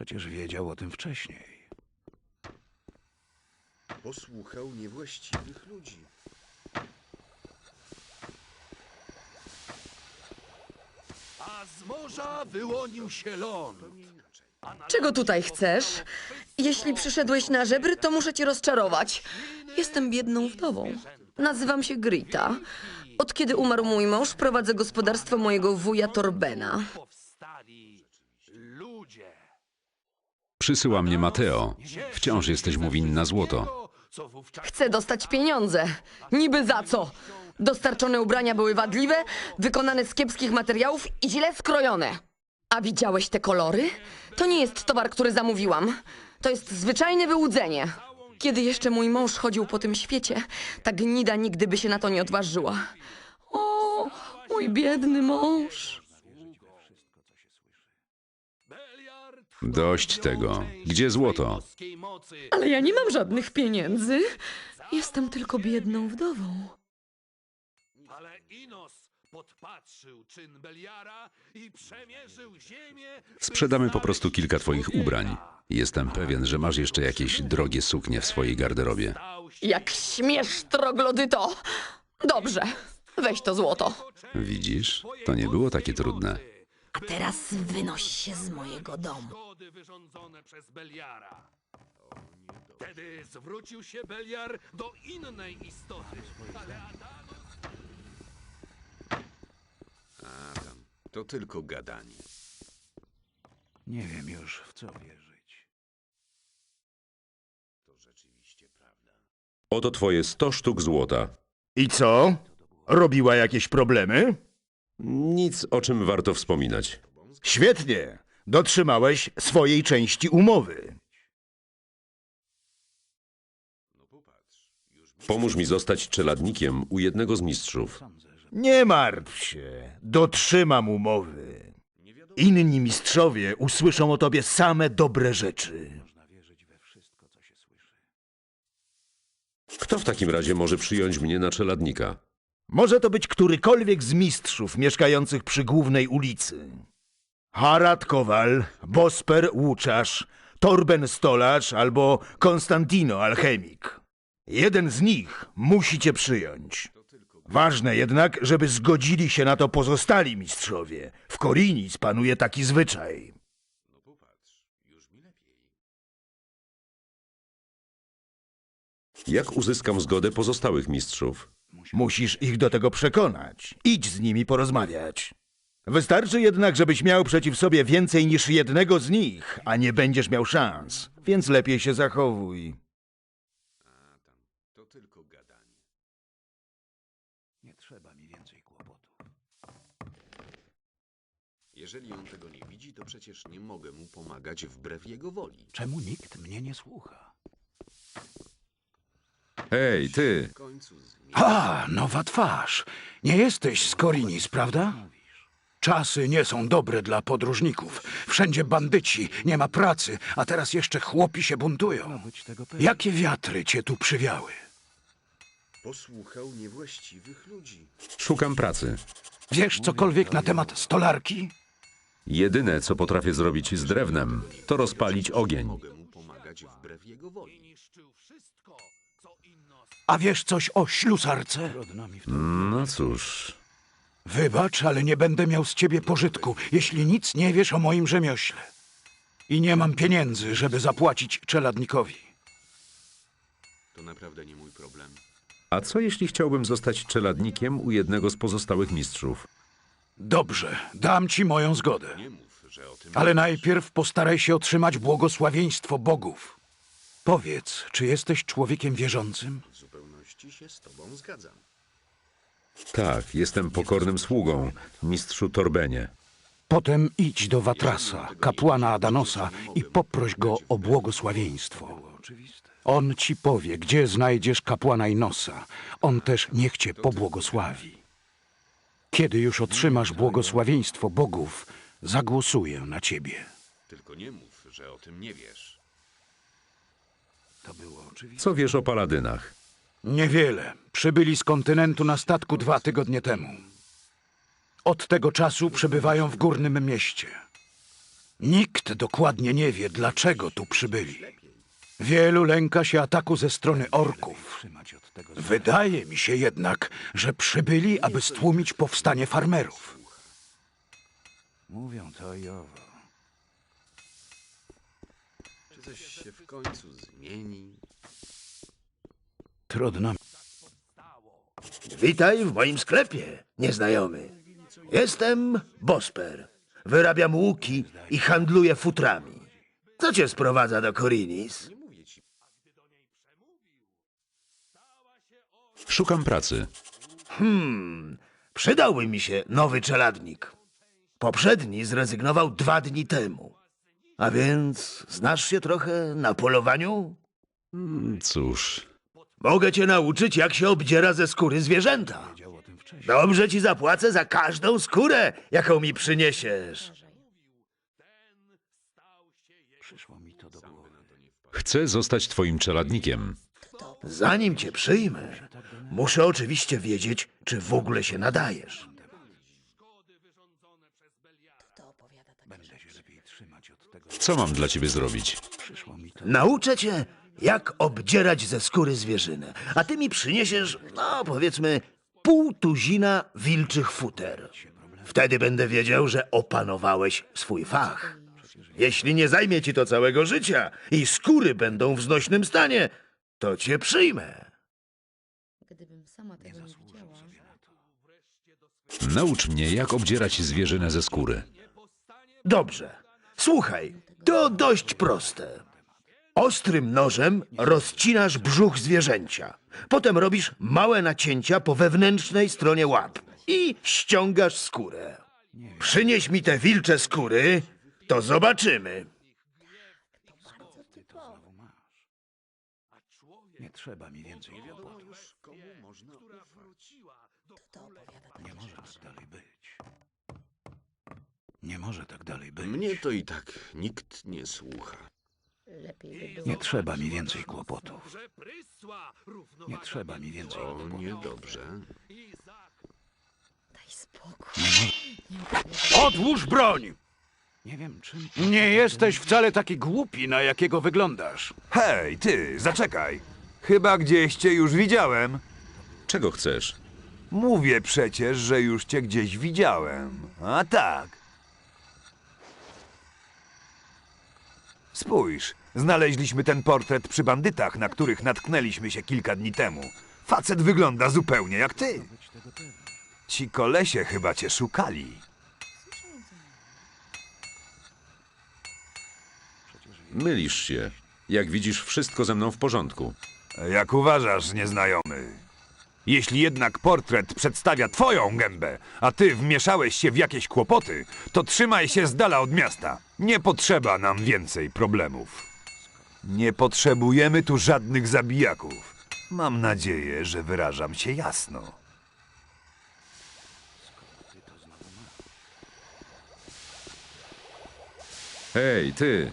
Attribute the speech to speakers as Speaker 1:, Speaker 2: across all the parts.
Speaker 1: Przecież wiedział o tym wcześniej.
Speaker 2: Posłuchał niewłaściwych ludzi.
Speaker 3: A z morza wyłonił się ląd.
Speaker 4: Czego tutaj chcesz? Jeśli przyszedłeś na żebry, to muszę cię rozczarować. Jestem biedną wdową. Nazywam się Grita. Od kiedy umarł mój mąż, prowadzę gospodarstwo mojego wuja Torbena.
Speaker 3: Powstali ludzie.
Speaker 5: Przysyła mnie Mateo. Wciąż jesteś mu winna złoto.
Speaker 3: Co wówczas
Speaker 4: Chcę dostać pieniądze. Niby za co? Dostarczone ubrania były wadliwe, wykonane z kiepskich materiałów i źle skrojone. A widziałeś te kolory? To nie jest towar, który zamówiłam. To jest zwyczajne wyłudzenie. Kiedy jeszcze mój mąż chodził po tym świecie, ta gnida nigdy by się na to nie odważyła. O, mój biedny mąż.
Speaker 5: Dość tego. Gdzie złoto?
Speaker 4: Ale ja nie mam żadnych pieniędzy. Jestem tylko biedną wdową.
Speaker 3: Ale Inos podpatrzył czyn Beliara i przemierzył ziemię.
Speaker 5: Sprzedamy po prostu kilka twoich ubrań. Jestem pewien, że masz jeszcze jakieś drogie suknie w swojej garderobie.
Speaker 4: Jak śmiesz, troglodyto! Dobrze, weź to złoto.
Speaker 5: Widzisz? To nie było takie trudne.
Speaker 4: A teraz wynoś się z mojego domu.
Speaker 3: Szkody wyrządzone przez Beliara. Wtedy zwrócił się Beliar do innej istoty. Ale Adanos...
Speaker 2: A tam, to tylko gadanie.
Speaker 1: Nie wiem już, w co wierzyć.
Speaker 2: To rzeczywiście prawda.
Speaker 6: Oto twoje 100 sztuk złota.
Speaker 7: I co? Robiła jakieś problemy?
Speaker 6: Nic, o czym warto wspominać.
Speaker 7: Świetnie. Dotrzymałeś swojej części umowy.
Speaker 6: Pomóż mi zostać czeladnikiem u jednego z mistrzów.
Speaker 7: Nie martw się. Dotrzymam umowy. Inni mistrzowie usłyszą o tobie same dobre rzeczy.
Speaker 6: Kto w takim razie może przyjąć mnie na czeladnika?
Speaker 7: Może to być którykolwiek z mistrzów mieszkających przy głównej ulicy. Harad Kowal, Bosper Łuczarz, Torben Stolarz albo Konstantino Alchemik. Jeden z nich musi cię przyjąć. Ważne jednak, żeby zgodzili się na to pozostali mistrzowie. W Korinis panuje taki zwyczaj.
Speaker 6: Jak uzyskam zgodę pozostałych mistrzów?
Speaker 7: Musisz ich do tego przekonać. Idź z nimi porozmawiać. Wystarczy jednak, żebyś miał przeciw sobie więcej niż jednego z nich, a nie będziesz miał szans. Więc lepiej się zachowuj.
Speaker 2: To tylko gadanie.
Speaker 1: Nie trzeba mi więcej kłopotów.
Speaker 2: Jeżeli on tego nie widzi, to przecież nie mogę mu pomagać wbrew jego woli.
Speaker 1: Czemu nikt mnie nie słucha?
Speaker 5: Hej, ty!
Speaker 2: W końcu
Speaker 1: A, nowa twarz. Nie jesteś z Korinis, prawda? Czasy nie są dobre dla podróżników. Wszędzie bandyci, nie ma pracy, a teraz jeszcze chłopi się buntują. Jakie wiatry cię tu przywiały?
Speaker 2: posłuchał niewłaściwych ludzi.
Speaker 5: Szukam pracy.
Speaker 1: Wiesz cokolwiek na temat stolarki?
Speaker 5: Jedyne, co potrafię zrobić z drewnem, to rozpalić ogień.
Speaker 2: Mogę mu pomagać wbrew jego woli.
Speaker 3: Niszczył wszystko, co Inos...
Speaker 1: A wiesz coś o ślusarce?
Speaker 5: No cóż,
Speaker 1: Wybacz, ale nie będę miał z ciebie pożytku, jeśli nic nie wiesz o moim rzemiośle. I nie mam pieniędzy, żeby zapłacić czeladnikowi.
Speaker 2: To naprawdę nie mój problem.
Speaker 5: a co jeśli chciałbym zostać czeladnikiem u jednego z pozostałych mistrzów?
Speaker 1: Dobrze, dam ci moją zgodę.
Speaker 2: Nie mów, że o tym
Speaker 1: Ale
Speaker 2: nie wiesz.
Speaker 1: najpierw postaraj się otrzymać błogosławieństwo bogów. Powiedz, czy jesteś człowiekiem wierzącym?
Speaker 2: W zupełności się z tobą zgadzam.
Speaker 5: Tak, jestem pokornym sługą, mistrzu Torbenie.
Speaker 1: Potem idź do Watrasa, kapłana Adanosa i poproś go o błogosławieństwo. On ci powie, gdzie znajdziesz kapłana Inosa. On też niech cię pobłogosławi. Kiedy już otrzymasz błogosławieństwo bogów, zagłosuję na ciebie.
Speaker 2: Tylko nie mów, że o tym nie wiesz.
Speaker 5: Co wiesz o paladynach?
Speaker 1: Niewiele. Przybyli z kontynentu na statku 2 tygodnie temu. Od tego czasu przebywają w górnym mieście. Nikt dokładnie nie wie, dlaczego tu przybyli. Wielu lęka się ataku ze strony orków. Wydaje mi się jednak, że przybyli, aby stłumić powstanie farmerów. Mówią to i owo.
Speaker 2: Czy coś się w końcu zmieni?
Speaker 1: Trudno.
Speaker 7: Witaj w moim sklepie, nieznajomy. Jestem Bosper. Wyrabiam łuki i handluję futrami. Co cię sprowadza do Korinis?
Speaker 5: Szukam pracy.
Speaker 7: Przydałby mi się nowy czeladnik. Poprzedni zrezygnował 2 dni temu. A więc znasz się trochę na polowaniu?
Speaker 5: Cóż,
Speaker 7: Mogę cię nauczyć, jak się obdziera ze skóry zwierzęta. Dobrze ci zapłacę za każdą skórę, jaką mi przyniesiesz.
Speaker 5: chcę zostać twoim czeladnikiem.
Speaker 7: Zanim cię przyjmę, muszę oczywiście wiedzieć, czy w ogóle się nadajesz.
Speaker 5: Co mam dla ciebie zrobić?
Speaker 7: Nauczę cię, jak obdzierać ze skóry zwierzynę, a ty mi przyniesiesz, no powiedzmy, 0,5 wilczych futer. Wtedy będę wiedział, że opanowałeś swój fach. Jeśli nie zajmie ci to całego życia i skóry będą w znośnym stanie, to cię przyjmę.
Speaker 4: Gdybym sama tego nie widziała.
Speaker 5: Naucz mnie, jak obdzierać zwierzynę ze skóry.
Speaker 7: Dobrze. Słuchaj, to dość proste. Ostrym nożem rozcinasz brzuch zwierzęcia. Potem robisz małe nacięcia po wewnętrznej stronie łap i ściągasz skórę. Przynieś mi te wilcze skóry, to zobaczymy.
Speaker 1: Nie trzeba mi więcej kłopotów. Nie może tak dalej być. Nie może tak dalej być.
Speaker 2: Mnie to i tak nikt nie słucha.
Speaker 1: Nie trzeba mi więcej kłopotów.
Speaker 3: Że prysła równowaga
Speaker 1: Nie trzeba mi więcej
Speaker 2: O,
Speaker 1: kłopotów.
Speaker 2: niedobrze.
Speaker 3: i za
Speaker 4: Daj spokój.
Speaker 1: Odłóż broń! Nie wiem, czym... Nie jesteś wcale taki głupi, na jakiego wyglądasz.
Speaker 8: Hej, ty, zaczekaj. Chyba gdzieś cię już widziałem.
Speaker 5: Czego chcesz?
Speaker 8: Mówię przecież, że już cię gdzieś widziałem. A tak. Spójrz, znaleźliśmy ten portret przy bandytach, na których natknęliśmy się kilka dni temu. Facet wygląda zupełnie jak ty. Ci kolesie chyba cię szukali.
Speaker 5: Mylisz się. Jak widzisz, wszystko ze mną w porządku.
Speaker 8: Jak uważasz, nieznajomy? Jeśli jednak portret przedstawia twoją gębę, a ty wmieszałeś się w jakieś kłopoty, to trzymaj się z dala od miasta. Nie potrzeba nam więcej problemów. Nie potrzebujemy tu żadnych zabijaków. Mam nadzieję, że wyrażam się jasno.
Speaker 5: Hej, ty!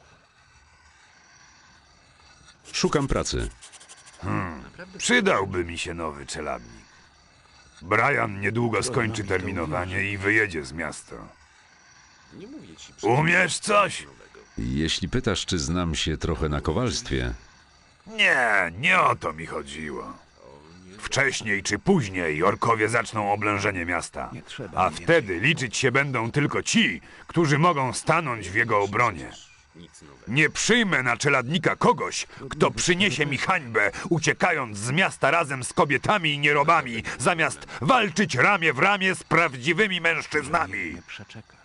Speaker 5: Szukam pracy.
Speaker 8: Przydałby mi się nowy czeladnik. Brian niedługo skończy terminowanie i wyjedzie z miasta.
Speaker 2: Nie mówię ci
Speaker 8: Umiesz coś?
Speaker 5: Jeśli pytasz, czy znam się trochę na kowalstwie,
Speaker 8: Nie o to mi chodziło. Wcześniej czy później orkowie zaczną oblężenie miasta, a wtedy liczyć się będą tylko ci, którzy mogą stanąć w jego obronie.
Speaker 2: nic nowego.
Speaker 8: Nie przyjmę na czeladnika kogoś, kto przyniesie mi hańbę, uciekając z miasta razem z kobietami i nierobami, zamiast walczyć ramię w ramię z prawdziwymi mężczyznami.
Speaker 1: Przeczekać.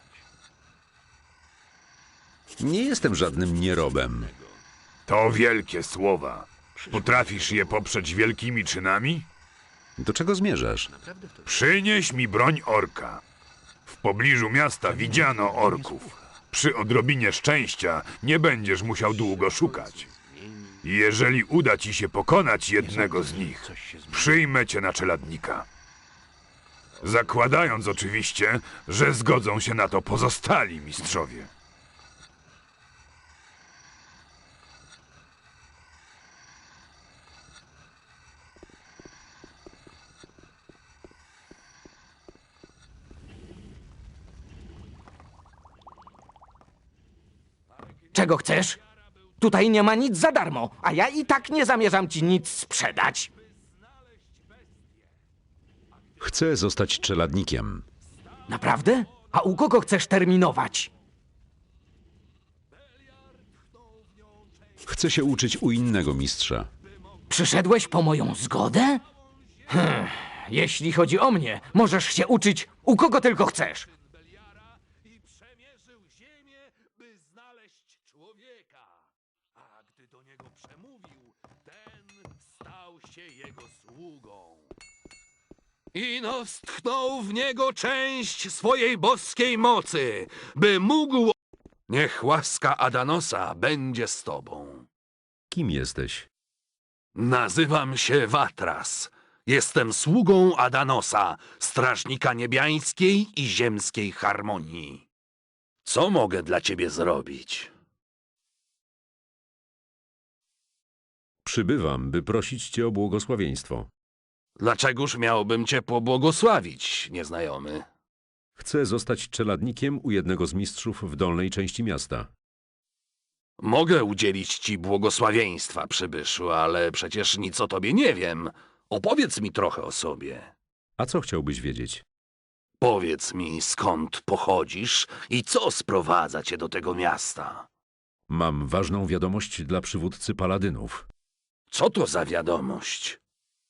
Speaker 5: nie jestem żadnym nierobem.
Speaker 8: To wielkie słowa. Potrafisz je poprzeć wielkimi czynami?
Speaker 5: Do czego zmierzasz?
Speaker 8: Przynieś mi broń orka. W pobliżu miasta widziano orków. Przy odrobinie szczęścia nie będziesz musiał długo szukać. Jeżeli uda ci się pokonać jednego z nich, przyjmę cię na czeladnika. Zakładając oczywiście, że zgodzą się na to pozostali mistrzowie.
Speaker 9: Czego chcesz? Tutaj nie ma nic za darmo, a ja i tak nie zamierzam ci nic sprzedać.
Speaker 5: Chcę zostać czeladnikiem.
Speaker 9: Naprawdę? A u kogo chcesz terminować?
Speaker 5: Chcę się uczyć u innego mistrza.
Speaker 9: Przyszedłeś po moją zgodę? Jeśli chodzi o mnie, możesz się uczyć u kogo tylko chcesz.
Speaker 3: I przemierzył ziemię, by znaleźć człowieka. A gdy do niego przemówił, ten stał się jego sługą. Ino wstchnął w niego część swojej boskiej mocy, by mógł... Niech łaska Adanosa będzie z tobą.
Speaker 5: Kim jesteś?
Speaker 3: Nazywam się Watras. Jestem sługą Adanosa, strażnika niebiańskiej i ziemskiej harmonii. Co mogę dla ciebie zrobić?
Speaker 5: Przybywam, by prosić cię o błogosławieństwo.
Speaker 3: Dlaczegoż miałbym cię pobłogosławić, nieznajomy?
Speaker 5: Chcę zostać czeladnikiem u jednego z mistrzów w dolnej części miasta.
Speaker 3: Mogę udzielić ci błogosławieństwa, przybyszu, ale przecież nic o tobie nie wiem. Opowiedz mi trochę o sobie.
Speaker 5: A co chciałbyś wiedzieć?
Speaker 3: Powiedz mi, skąd pochodzisz i co sprowadza cię do tego miasta.
Speaker 5: Mam ważną wiadomość dla przywódcy paladynów.
Speaker 3: Co to za wiadomość?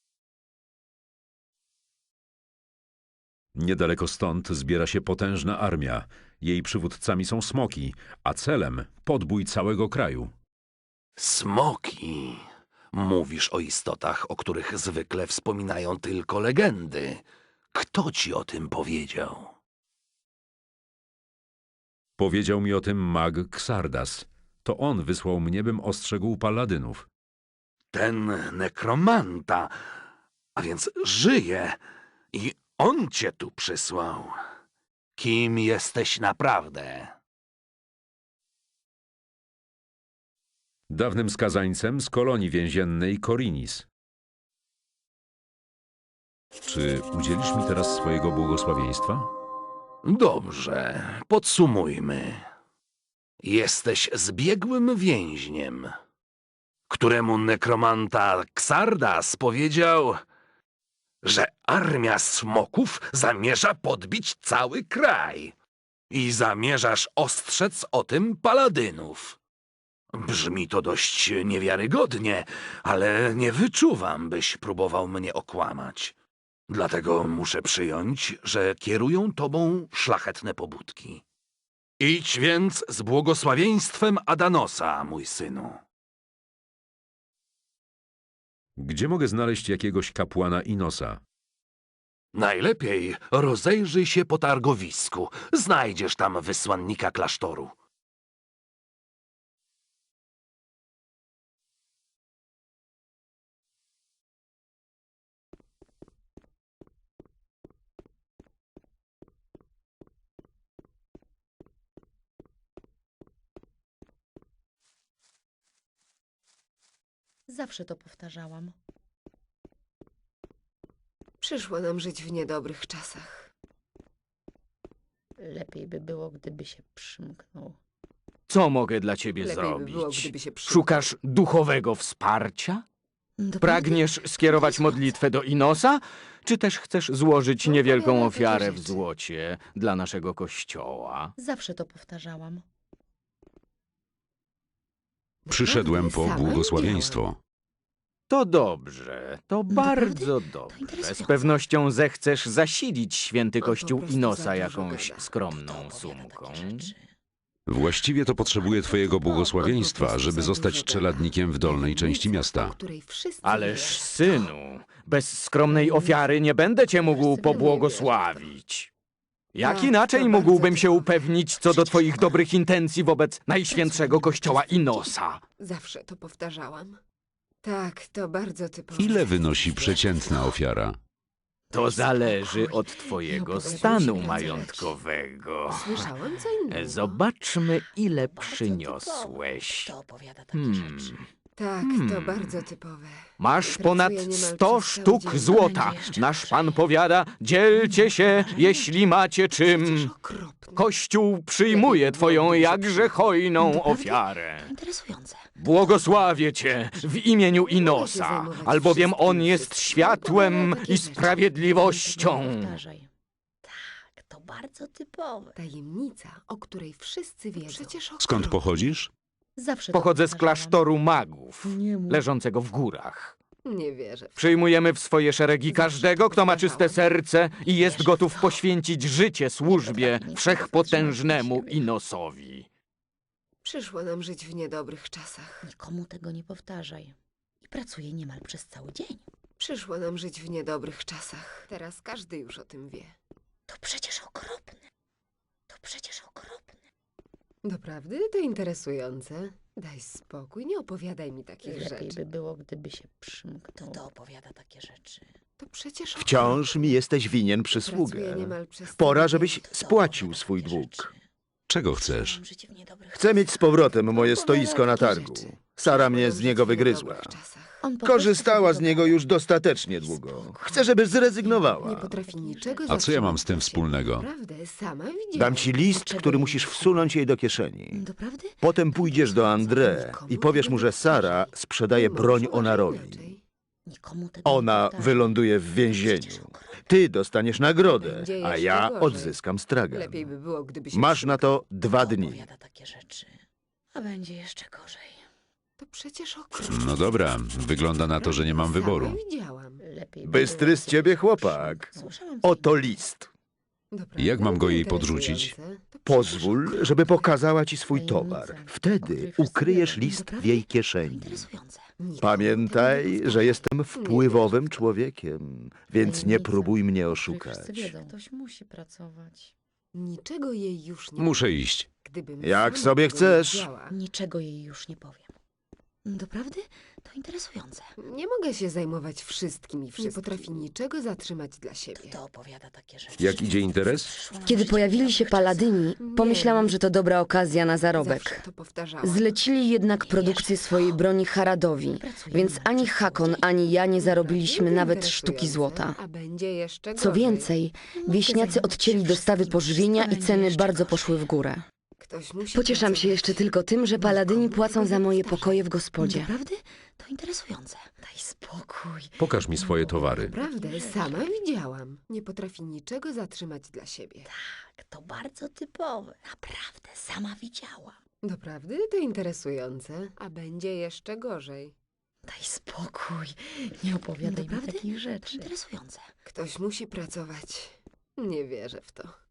Speaker 5: Niedaleko stąd zbiera się potężna armia. Jej przywódcami są smoki, a celem podbój całego kraju.
Speaker 3: Smoki. Mówisz o istotach, o których zwykle wspominają tylko legendy. Kto ci o tym powiedział?
Speaker 5: Powiedział mi o tym mag Xardas. To on wysłał mnie, bym ostrzegł paladynów.
Speaker 3: Ten nekromanta, a więc żyje i on cię tu przysłał. Kim jesteś naprawdę?
Speaker 5: Dawnym skazańcem z kolonii więziennej Korinis. Czy udzielisz mi teraz swojego błogosławieństwa?
Speaker 3: Dobrze, podsumujmy. Jesteś zbiegłym więźniem, któremu nekromanta Xardas powiedział, że armia smoków zamierza podbić cały kraj i zamierzasz ostrzec o tym paladynów. Brzmi to dość niewiarygodnie, ale nie wyczuwam, byś próbował mnie okłamać. Dlatego muszę przyjąć, że kierują tobą szlachetne pobudki. Idź więc z błogosławieństwem Adanosa, mój synu.
Speaker 5: Gdzie mogę znaleźć jakiegoś kapłana Inosa?
Speaker 3: Najlepiej rozejrzyj się po targowisku. Znajdziesz tam wysłannika klasztoru.
Speaker 10: Zawsze to powtarzałam.
Speaker 11: Przyszło nam żyć w niedobrych czasach.
Speaker 10: Lepiej by było, gdyby się przymknął.
Speaker 9: Co mogę dla ciebie
Speaker 11: Lepiej by
Speaker 9: zrobić?
Speaker 11: było, gdyby się przymknął.
Speaker 9: Szukasz duchowego wsparcia?
Speaker 10: Doprawdy?
Speaker 9: Pragniesz skierować modlitwę do Inosa? Czy też chcesz złożyć niewielką
Speaker 11: opowiadaj takie
Speaker 9: ofiarę w
Speaker 11: rzeczy.
Speaker 9: złocie dla naszego kościoła?
Speaker 10: Zawsze to powtarzałam.
Speaker 5: Przyszedłem po
Speaker 11: Sama
Speaker 5: błogosławieństwo.
Speaker 9: To dobrze, to bardzo dobrze.
Speaker 10: interesujące.
Speaker 9: Z pewnością zechcesz zasilić święty
Speaker 11: po
Speaker 9: kościół
Speaker 11: prostu za
Speaker 9: Inosa
Speaker 11: dużo
Speaker 9: jakąś
Speaker 11: gada.
Speaker 9: skromną
Speaker 10: Opowiada
Speaker 9: sumką.
Speaker 10: takie rzeczy.
Speaker 5: Właściwie to potrzebuję twojego błogosławieństwa, żeby zostać czeladnikiem w dolnej części miasta.
Speaker 11: O której wszyscy
Speaker 9: Ależ
Speaker 11: wiedzą.
Speaker 9: synu, bez skromnej ofiary nie będę cię mógł pobłogosławić. Jak
Speaker 11: Tak,
Speaker 9: inaczej
Speaker 11: to
Speaker 9: mógłbym
Speaker 11: bardzo
Speaker 9: się
Speaker 11: cię-
Speaker 9: upewnić co do twoich dobrych intencji wobec najświętszego kościoła Inosa?
Speaker 11: Zawsze to powtarzałam. Tak, to bardzo typowe.
Speaker 5: Ile wynosi przeciętna ofiara?
Speaker 9: To zależy od twojego
Speaker 11: opowiadaj
Speaker 9: stanu
Speaker 11: się,
Speaker 9: majątkowego.
Speaker 11: Słyszałam co innego.
Speaker 9: Zobaczmy, ile
Speaker 10: Bardzo
Speaker 9: przyniosłeś.
Speaker 10: typowe. Kto opowiada takie rzeczy?
Speaker 11: Tak, to bardzo typowe.
Speaker 9: Masz
Speaker 11: Pracuję
Speaker 9: ponad
Speaker 11: niemal
Speaker 9: 100
Speaker 11: przez cały
Speaker 9: sztuk
Speaker 11: dzień.
Speaker 9: złota.
Speaker 10: Będzie jeszcze
Speaker 9: Nasz
Speaker 10: gorzej.
Speaker 9: pan powiada, dzielcie się, jeśli macie czym.
Speaker 11: Przecież okropne.
Speaker 9: Kościół przyjmuje twoją jakże hojną ofiarę.
Speaker 10: Interesujące.
Speaker 9: Błogosławię cię w imieniu Inosa, albowiem on jest światłem i sprawiedliwością.
Speaker 10: Powtarzaj. Tak, to bardzo typowe.
Speaker 11: Tajemnica, o której wszyscy wiedzą. Przecież
Speaker 6: Skąd pochodzisz?
Speaker 10: Zawsze to
Speaker 9: Pochodzę z
Speaker 10: powtarzałam.
Speaker 9: klasztoru magów,
Speaker 10: Nie mów.
Speaker 9: leżącego w górach.
Speaker 11: Nie wierzę.
Speaker 9: Przyjmujemy w swoje szeregi każdego, kto ma czyste serce i jest gotów poświęcić życie służbie wszechpotężnemu Inosowi.
Speaker 11: Przyszło nam żyć w niedobrych czasach.
Speaker 10: Nikomu tego nie powtarzaj. I pracuję niemal przez cały dzień.
Speaker 11: Przyszło nam żyć w niedobrych czasach. Teraz każdy już o tym wie.
Speaker 10: To przecież okropne. To przecież okropne.
Speaker 11: Doprawdy to interesujące. Daj spokój, nie opowiadaj mi takich
Speaker 10: Lepiej
Speaker 11: rzeczy.
Speaker 10: by było, gdyby się przymknął. Kto opowiada takie rzeczy?
Speaker 11: To przecież
Speaker 7: Wciąż mi jesteś winien
Speaker 11: Pracuję
Speaker 7: przysługę.
Speaker 11: niemal przez
Speaker 7: Pora,
Speaker 11: cały
Speaker 7: żebyś
Speaker 11: dzień.
Speaker 7: spłacił swój dług.
Speaker 6: Czego chcesz?
Speaker 10: Mam życie w niedobrych
Speaker 7: Chcę mieć z powrotem moje
Speaker 11: Opowiada
Speaker 7: stoisko na
Speaker 11: takie
Speaker 7: targu.
Speaker 11: rzeczy.
Speaker 7: Sara mnie
Speaker 11: Przyszło
Speaker 7: z
Speaker 11: nam
Speaker 7: niego
Speaker 11: żyć w
Speaker 7: wygryzła.
Speaker 11: niedobrych czasach.
Speaker 10: On po
Speaker 7: Korzystała
Speaker 10: prostu
Speaker 7: z niego już dostatecznie długo. Chcę, żeby
Speaker 11: Nie
Speaker 7: zrezygnowała.
Speaker 11: potrafi niczego
Speaker 6: A co ja mam z tym
Speaker 11: zatrzymać dla siebie.
Speaker 6: wspólnego?
Speaker 11: Naprawdę, sama widziałam.
Speaker 7: Dam ci list, który musisz wsunąć jej do kieszeni.
Speaker 10: Doprawdy?
Speaker 7: Potem pójdziesz do André i powiesz mu, że Sara sprzedaje broń Onarowi.
Speaker 11: Inaczej.
Speaker 10: Nikomu tego
Speaker 7: Ona
Speaker 10: nie powtarzaj.
Speaker 7: wyląduje w więzieniu. Ty dostaniesz nagrodę,
Speaker 11: Będzie
Speaker 7: a
Speaker 11: jeszcze
Speaker 7: ja
Speaker 11: gorzej.
Speaker 7: odzyskam stragan.
Speaker 11: Lepiej by było, gdyby się
Speaker 7: Masz na to 2
Speaker 10: Kto
Speaker 7: dni.
Speaker 10: opowiada takie rzeczy? A będzie jeszcze gorzej.
Speaker 11: To przecież okropne.
Speaker 6: No dobra, wygląda na to, że nie mam wyboru.
Speaker 11: Sama widziałam.
Speaker 10: Lepiej by
Speaker 7: Bystry
Speaker 10: było,
Speaker 7: z ciebie
Speaker 10: gdybyś
Speaker 7: chłopak.
Speaker 10: przymknął. Słyszałam
Speaker 7: Oto list.
Speaker 11: Doprawdy
Speaker 6: Jak mam go jej
Speaker 11: to
Speaker 6: podrzucić?
Speaker 11: interesujące. To przecież
Speaker 7: Pozwól, żeby pokazała ci swój towar. Wtedy ukryjesz list w jej kieszeni.
Speaker 10: Interesujące.
Speaker 11: nikomu
Speaker 7: Pamiętaj,
Speaker 11: tego nie
Speaker 7: że jestem
Speaker 11: Nie
Speaker 7: wpływowym człowiekiem, więc nie próbuj mnie
Speaker 10: Których
Speaker 7: oszukać.
Speaker 10: wszyscy wiedzą. Ktoś musi pracować.
Speaker 11: Niczego jej już nie
Speaker 6: Muszę
Speaker 11: powiem.
Speaker 6: iść.
Speaker 11: Gdybym
Speaker 7: Jak
Speaker 11: sama
Speaker 7: sobie
Speaker 11: tego
Speaker 7: chcesz.
Speaker 11: nie wiedziała,
Speaker 10: Niczego jej już nie powiem. Doprawdy? To interesujące.
Speaker 11: nie mogę się zajmować wszystkim i wszystkim. Nie potrafi niczego zatrzymać dla siebie.
Speaker 10: Kto opowiada takie rzeczy?
Speaker 6: Jak idzie interes?
Speaker 4: Kiedy pojawili się paladyni, pomyślałam, że to dobra okazja na
Speaker 11: Zawsze
Speaker 4: zarobek.
Speaker 11: to powtarzałam.
Speaker 4: Zlecili jednak produkcję swojej broni Haradowi, więc ani Hakon, ani ja nie zarobiliśmy nawet sztuki złota.
Speaker 11: A będzie jeszcze
Speaker 4: Co
Speaker 11: gorzej.
Speaker 4: więcej, wieśniacy odcięli dostawy pożywienia i ceny bardzo poszły w górę.
Speaker 11: Ktoś musi
Speaker 4: Pocieszam się jeszcze tylko tym, że paladyni płacą za moje pokoje w gospodzie.
Speaker 10: Doprawdy? To interesujące. Daj spokój.
Speaker 6: Pokaż mi swoje towary.
Speaker 11: Naprawdę, sama widziałam. Nie potrafi niczego zatrzymać dla siebie.
Speaker 10: Tak, to bardzo typowe. Naprawdę, sama widziałam.
Speaker 11: Doprawdy to interesujące. A będzie jeszcze gorzej.
Speaker 10: Daj spokój. Nie opowiadaj mi
Speaker 4: Doprawdy?
Speaker 10: takich
Speaker 4: To
Speaker 10: rzeczy.
Speaker 4: interesujące.
Speaker 11: Ktoś musi pracować. Nie wierzę w to.